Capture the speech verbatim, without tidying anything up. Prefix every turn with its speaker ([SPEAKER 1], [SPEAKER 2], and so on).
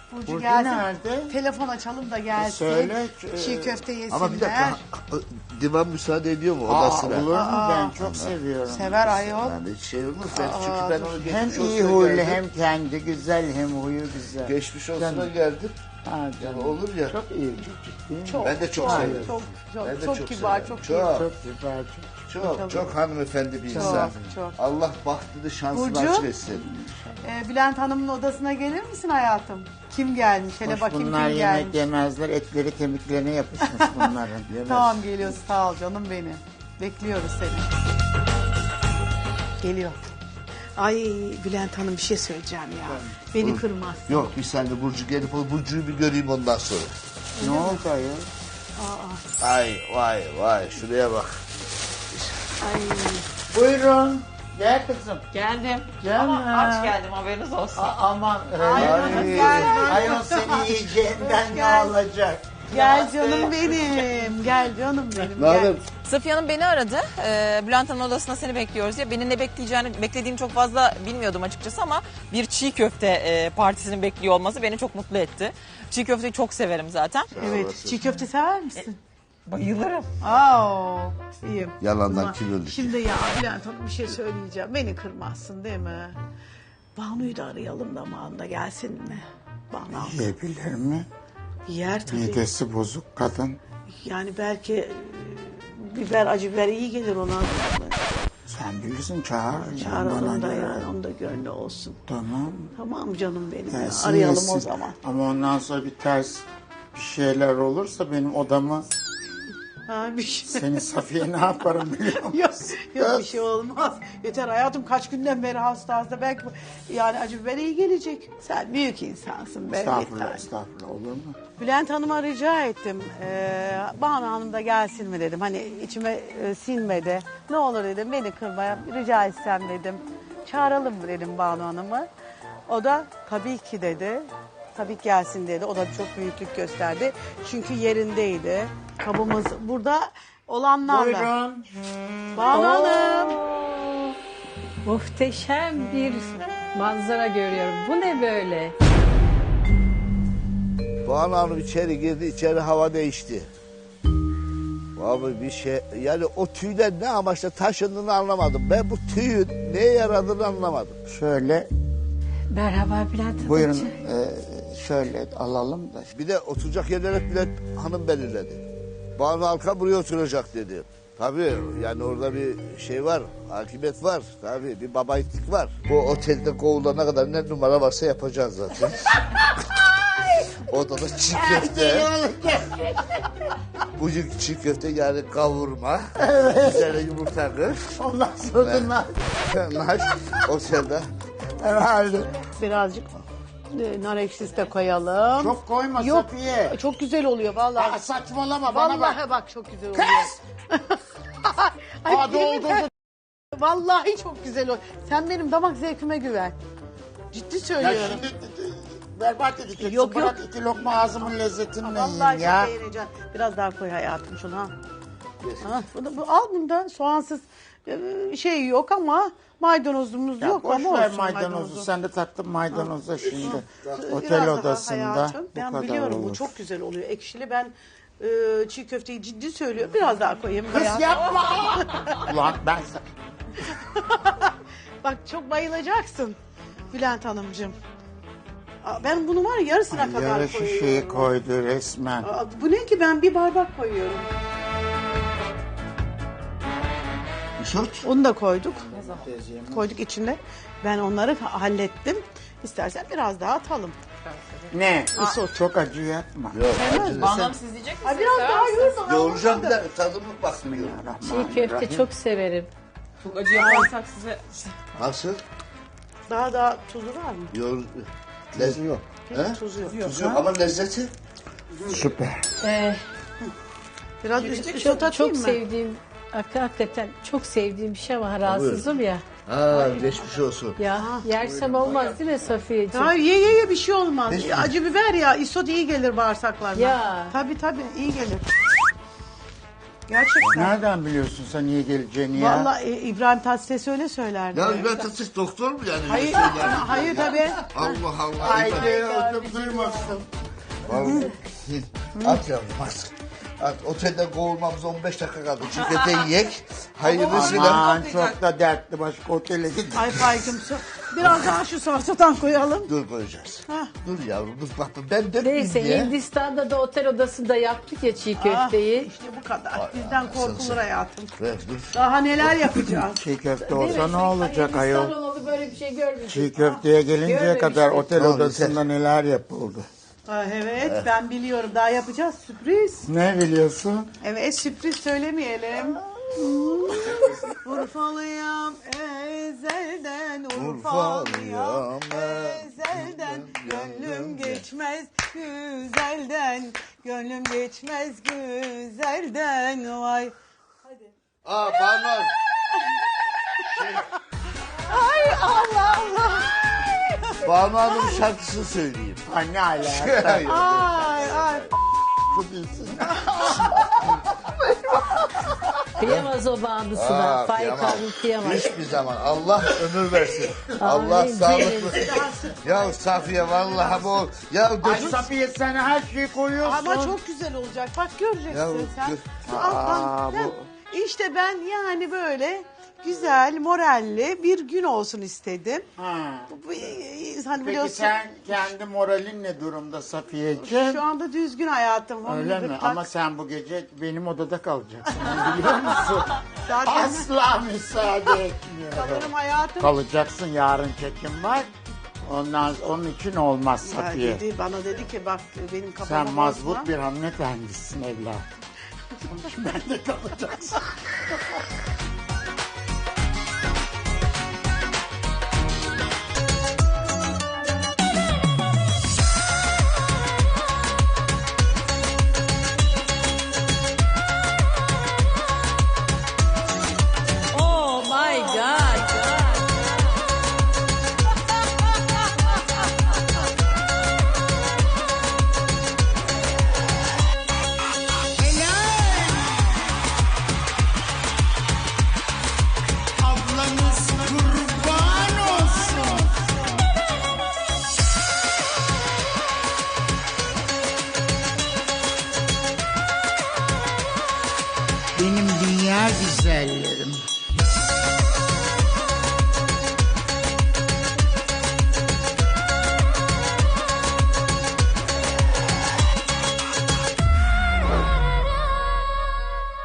[SPEAKER 1] Burcu,
[SPEAKER 2] Burcu
[SPEAKER 1] gelsin.
[SPEAKER 2] nerede?
[SPEAKER 1] Telefon açalım da gelsin.
[SPEAKER 2] E söyle,
[SPEAKER 1] Çiğ
[SPEAKER 2] e,
[SPEAKER 1] köfte yesinler.
[SPEAKER 3] Ama bir dakika, divan müsaade ediyor mu
[SPEAKER 2] Aa,
[SPEAKER 3] odasına?
[SPEAKER 2] olur mu?
[SPEAKER 1] Aa,
[SPEAKER 2] Ben çok seviyorum.
[SPEAKER 1] Sever ayol.
[SPEAKER 3] Yani hiç şey olmaz. Ben, çünkü ben onu
[SPEAKER 2] Hem
[SPEAKER 3] geçmiş
[SPEAKER 2] iyi
[SPEAKER 3] olsuna
[SPEAKER 2] huylu
[SPEAKER 3] geldim.
[SPEAKER 2] hem kendi güzel hem huyu güzel.
[SPEAKER 3] Geçmiş olsuna
[SPEAKER 2] Canım.
[SPEAKER 3] geldim.
[SPEAKER 2] Ha canım.
[SPEAKER 3] Olur ya.
[SPEAKER 2] Çok iyi, çok ciddi.
[SPEAKER 1] Çok,
[SPEAKER 3] Ben de çok severim.
[SPEAKER 1] Çok, çok,
[SPEAKER 3] Ben de
[SPEAKER 1] çok,
[SPEAKER 3] çok
[SPEAKER 1] kibar,
[SPEAKER 3] severim.
[SPEAKER 1] çok,
[SPEAKER 3] Çok.
[SPEAKER 1] iyi.
[SPEAKER 2] Çok güzel, çok.
[SPEAKER 3] Çok çok hanımefendi bir insan.
[SPEAKER 1] çok.
[SPEAKER 3] Allah bahtını şansını
[SPEAKER 1] Burcu?
[SPEAKER 3] açık etsin.
[SPEAKER 1] Ee, Bülent Hanım'ın odasına gelir misin hayatım? Kim gelmiş? Hele
[SPEAKER 2] Hoş,
[SPEAKER 1] bakayım
[SPEAKER 2] bunlar
[SPEAKER 1] kim
[SPEAKER 2] yemek
[SPEAKER 1] gelmiş.
[SPEAKER 2] yemezler, etleri kemiklerine yapışmış bunların. Yemez.
[SPEAKER 1] Tamam geliyoruz, sağ ol canım benim. Bekliyoruz seni. Geliyor. Ay Bülent Hanım bir şey söyleyeceğim ya. Beni kırmaz.
[SPEAKER 3] Yok bir saniye Burcu gelip o Burcu'yu bir göreyim ondan sonra.
[SPEAKER 2] Ne oldu ayol?
[SPEAKER 3] Ay vay vay şuraya bak.
[SPEAKER 1] Ay.
[SPEAKER 2] Buyurun. Gel kızım.
[SPEAKER 4] Geldim.
[SPEAKER 2] Canım.
[SPEAKER 4] Ama aç geldim, haberiniz olsun.
[SPEAKER 2] A- aman öyle
[SPEAKER 1] Ay,
[SPEAKER 2] mi?
[SPEAKER 1] gel.
[SPEAKER 2] Ayol seni yiyeceğinden ne
[SPEAKER 1] Gel.
[SPEAKER 2] alacak?
[SPEAKER 1] Gel canım benim. Gel canım benim.
[SPEAKER 3] Ne haber?
[SPEAKER 1] Gel.
[SPEAKER 4] Safiye Hanım beni aradı. Ee, Bülent Hanım'ın odasında seni bekliyoruz diye. Beni ne bekleyeceğini, beklediğini çok fazla bilmiyordum açıkçası ama bir çiğ köfte e, partisini bekliyor olması beni çok mutlu etti. Çiğ köfteyi çok severim zaten.
[SPEAKER 1] Evet. Çiğ köfte sever misin?
[SPEAKER 4] Bayılırım.
[SPEAKER 1] Aa, iyiyim.
[SPEAKER 3] Yalandan
[SPEAKER 1] Ama
[SPEAKER 3] kim öldü ki?
[SPEAKER 1] Şimdi ya Bülent Hanım bir şey söyleyeceğim. Beni kırmazsın değil mi? Banu'yu da arayalım da Banu da gelsin mi? Banu
[SPEAKER 2] Yiyebilir mi?
[SPEAKER 1] yer tabii.
[SPEAKER 2] Midesi bozuk kadın.
[SPEAKER 1] Yani belki e, biber, acı biber iyi gelir ona.
[SPEAKER 2] Sen bilirsin çağır.
[SPEAKER 1] Çağıralım da
[SPEAKER 2] Bana
[SPEAKER 1] yani
[SPEAKER 2] göre.
[SPEAKER 1] onun da gönlü olsun.
[SPEAKER 2] Tamam.
[SPEAKER 1] Tamam canım benim. ya.
[SPEAKER 2] Gelsin,
[SPEAKER 1] Arayalım
[SPEAKER 2] yesin.
[SPEAKER 1] o zaman.
[SPEAKER 2] Ama ondan sonra bir ters bir şeyler olursa benim odamı
[SPEAKER 1] Ha, bir şey.
[SPEAKER 2] seni Safiye ne yaparım biliyor musun?
[SPEAKER 1] Yok, yok bir şey olmaz. Yeter hayatım kaç günden beri hasta hasta. Belki yani acı biber iyi gelecek. Sen büyük insansın be.
[SPEAKER 2] Estağfurullah,
[SPEAKER 1] yeter.
[SPEAKER 2] estağfurullah olur mu?
[SPEAKER 1] Bülent Hanım'a rica ettim. Ee, Banu Hanım da gelsin mi dedim. Hani içime e, sinmedi. Ne olur dedim beni kırmaya rica etsem dedim. Çağıralım mı dedim Banu Hanım'ı. O da tabii ki dedi. Tabii ki gelsin dedi. O da çok büyüklük gösterdi. Çünkü yerindeydi. Kabımız burada olanlarla.
[SPEAKER 2] Buyurun.
[SPEAKER 1] Banu Hanım.
[SPEAKER 5] Muhteşem bir manzara görüyorum. Bu ne böyle?
[SPEAKER 3] Banu Hanım içeri girdi, içeri hava değişti. Abi bir şey, yani o tüyler ne amaçla taşındığını anlamadım. Ben bu tüyün neye yaradığını anlamadım.
[SPEAKER 2] Şöyle
[SPEAKER 5] Merhaba Bülent Hanım.
[SPEAKER 2] buyurun e, şöyle alalım da.
[SPEAKER 3] Bir de oturacak yerlere Bülent Hanım belirledi. Banu Halka buraya oturacak dedi. Tabii yani orada bir şey var, hakimiyet var. Tabii bir babayitik var. Bu otelde kovulana kadar ne numara varsa yapacağız zaten. Odada çiğ köfte. Bugün çiğ köfte yani kavurma. Evet. Üzerine yumurta kır.
[SPEAKER 2] Ondan sonra nar.
[SPEAKER 3] Naş otelde.
[SPEAKER 2] Herhalde.
[SPEAKER 1] Birazcık e, nar ekşisi de koyalım.
[SPEAKER 2] Çok koyma
[SPEAKER 1] Yok,
[SPEAKER 2] Safiye.
[SPEAKER 1] çok güzel oluyor vallahi.
[SPEAKER 2] Aa, saçmalama bana
[SPEAKER 1] Vallahi
[SPEAKER 2] bak.
[SPEAKER 1] bak. çok güzel oluyor.
[SPEAKER 2] Kız!
[SPEAKER 1] Ay,
[SPEAKER 2] Aa,
[SPEAKER 1] yemin
[SPEAKER 2] doldurdu.
[SPEAKER 1] ederim. Vallahi çok güzel oluyor. Sen benim damak zevkime güven. Ciddi
[SPEAKER 2] Ya
[SPEAKER 1] söylüyorum.
[SPEAKER 2] şimdi berbat edeceksin.
[SPEAKER 1] Yok,
[SPEAKER 2] Bırak iki lokma ağzımın lezzetini
[SPEAKER 1] Vallahi
[SPEAKER 2] yiyeyim
[SPEAKER 1] çok
[SPEAKER 2] ya.
[SPEAKER 1] beğeneceksin. Biraz daha koy hayatım şunu ha. Ha, bunu, bu, al bundan soğansız e, şey yok ama maydanozumuz
[SPEAKER 2] Ya
[SPEAKER 1] yok
[SPEAKER 2] boş
[SPEAKER 1] ama
[SPEAKER 2] ver
[SPEAKER 1] olsun
[SPEAKER 2] maydanozu.
[SPEAKER 1] maydanozu.
[SPEAKER 2] Sen de taktın maydanoza şimdi.
[SPEAKER 1] Biraz
[SPEAKER 2] Otel
[SPEAKER 1] daha
[SPEAKER 2] odasında
[SPEAKER 1] hayatım.
[SPEAKER 2] bu
[SPEAKER 1] Ben
[SPEAKER 2] kadar
[SPEAKER 1] biliyorum
[SPEAKER 2] olur.
[SPEAKER 1] bu çok güzel oluyor. Ekşili ben e, çiğ köfteyi ciddi söylüyorum. Biraz daha koyayım.
[SPEAKER 2] Kız
[SPEAKER 1] hayatım.
[SPEAKER 2] yapma. Ulan ben sa-
[SPEAKER 1] Bak çok bayılacaksın Bülent Hanımcığım. Aa, ben bunu var ya yarısına kadar
[SPEAKER 2] yarı
[SPEAKER 1] koyuyorum.
[SPEAKER 2] şişeyi koydu resmen.
[SPEAKER 1] Aa, bu ne ki ben bir bardak koyuyorum.
[SPEAKER 3] Isot.
[SPEAKER 1] Onu da koyduk. Koyduk içinde. Ben onları hallettim. İstersen biraz daha atalım.
[SPEAKER 2] Ne?
[SPEAKER 1] Isot.
[SPEAKER 2] Çok acı yapma.
[SPEAKER 3] Yok acı
[SPEAKER 4] Banu
[SPEAKER 3] sen.
[SPEAKER 4] Hanım siz diyecek
[SPEAKER 1] Ay
[SPEAKER 4] misiniz?
[SPEAKER 1] biraz daha yoğurma.
[SPEAKER 3] Yoğuracağım bir de tadımlık bakmıyor.
[SPEAKER 5] Çiğ köfte çok severim.
[SPEAKER 4] Çok acı yaparsak size...
[SPEAKER 3] Nasıl?
[SPEAKER 1] Daha daha tuzu var mı?
[SPEAKER 3] Yoğur... Lezzeti yok. He?
[SPEAKER 1] Tuzu yok.
[SPEAKER 3] Tuzu yok ama lezzeti.
[SPEAKER 2] Süper.
[SPEAKER 5] Ee,
[SPEAKER 1] Biraz üst, üst
[SPEAKER 5] çok
[SPEAKER 1] atayım
[SPEAKER 5] çok
[SPEAKER 1] mı?
[SPEAKER 5] sevdiğim, hak- hakikaten çok sevdiğim bir şey var. Rahatsızım ya.
[SPEAKER 3] Ha geçmiş olsun.
[SPEAKER 5] Ya yersem olmaz değil mi Safiyeciğim?
[SPEAKER 1] Hayır ye ye ye bir şey olmaz.
[SPEAKER 3] Hiç mi?
[SPEAKER 1] Acı biber ya isot iyi gelir bağırsaklarına.
[SPEAKER 5] Ya.
[SPEAKER 1] Tabii tabii iyi gelir. Gerçekten.
[SPEAKER 2] Nereden biliyorsun sen iyi geleceğini ya?
[SPEAKER 1] Vallahi e, İbrahim Tatlıses öyle söylerdi.
[SPEAKER 3] Ya İbrahim Tatlıses doktor mu yani?
[SPEAKER 1] Hayır,
[SPEAKER 3] Öyle söyler mi?
[SPEAKER 1] hayır tabii.
[SPEAKER 3] Allah Allah.
[SPEAKER 2] Haydi oğlum duymasın.
[SPEAKER 3] Vallahi. At yavrum at. At. Otelden kovulmamız on beş dakika kaldı. Çiğ yiyek. Hayırlısıyla.
[SPEAKER 2] Aman çok da dertli başka otele git.
[SPEAKER 1] Ay Faik'im so- biraz daha şu salçadan koyalım.
[SPEAKER 3] Dur koyacağız.
[SPEAKER 1] Hah.
[SPEAKER 3] Dur yavrum dur bak ben dönmeyeyim
[SPEAKER 5] Neyse
[SPEAKER 3] diye.
[SPEAKER 5] Hindistan'da da otel odasında yaptık ya çiğ
[SPEAKER 1] Ah,
[SPEAKER 5] köfteyi.
[SPEAKER 1] işte bu kadar. Bizden korkulur hayatım.
[SPEAKER 3] Ver dur.
[SPEAKER 1] Daha neler yapacağız.
[SPEAKER 2] Çiğ köfte olsa ne olacak ayol?
[SPEAKER 5] Hindistan olalı böyle bir şey görmedik.
[SPEAKER 2] Çiğ köfteye gelinceye
[SPEAKER 5] Görmemiştim.
[SPEAKER 2] kadar otel
[SPEAKER 3] Tamam,
[SPEAKER 2] odasında neler yapıldı.
[SPEAKER 1] Ha, evet ben biliyorum. Daha yapacağız sürpriz.
[SPEAKER 2] Ne biliyorsun?
[SPEAKER 1] Evet sürpriz söylemeyelim. Urfalıyam ezelden Urfalıyam ezelden Gönlüm geçmez güzelden Gönlüm geçmez güzelden Vay.
[SPEAKER 3] Aa Banu.
[SPEAKER 1] Ay Allah Allah.
[SPEAKER 3] Banu Hanım şarkısını söyleyeyim.
[SPEAKER 2] Ha ne alaka?
[SPEAKER 1] Ay ay.
[SPEAKER 2] Çok iyisin.
[SPEAKER 5] Kıyamaz o bağımlısına.
[SPEAKER 3] Aa,
[SPEAKER 5] Faik
[SPEAKER 3] kıyamam.
[SPEAKER 5] abi kıyamaz.
[SPEAKER 3] Hiçbir zaman. Allah ömür versin. Allah
[SPEAKER 5] Amin.
[SPEAKER 3] sağlık versin. Ya Safiye vallahi bu. Ya
[SPEAKER 2] Ay
[SPEAKER 3] gözüm.
[SPEAKER 2] Safiye sen her şeyi koyuyorsun.
[SPEAKER 1] Ama çok güzel olacak. Bak göreceksin
[SPEAKER 3] Ya,
[SPEAKER 1] sen.
[SPEAKER 3] gör-
[SPEAKER 1] Şu alttan.
[SPEAKER 2] Aa, bu-
[SPEAKER 1] Heh. İşte ben yani böyle güzel, moralli bir gün olsun istedim.
[SPEAKER 2] Ha.
[SPEAKER 1] Bu- bu- Hani
[SPEAKER 2] Peki
[SPEAKER 1] biliyorsun
[SPEAKER 2] sen kendi moralin ne durumda Safiyeciğim?
[SPEAKER 1] şu anda düzgün hayatım. Onu
[SPEAKER 2] Öyle
[SPEAKER 1] bir
[SPEAKER 2] mi?
[SPEAKER 1] bak-
[SPEAKER 2] Ama sen bu gece benim odada kalacaksın. Biliyor musun?
[SPEAKER 1] Zaten
[SPEAKER 2] Asla müsaade etmiyorum.
[SPEAKER 1] kalırım hayatım.
[SPEAKER 2] Kalacaksın, yarın çekim var. Ondan onun için olmaz
[SPEAKER 1] Ya
[SPEAKER 2] Safiye.
[SPEAKER 1] dedi, bana dedi ki bak benim kafama
[SPEAKER 2] Sen mazbut
[SPEAKER 1] bozma.
[SPEAKER 2] bir hanımefendisin evladım. Onun için ben de kalacaksın.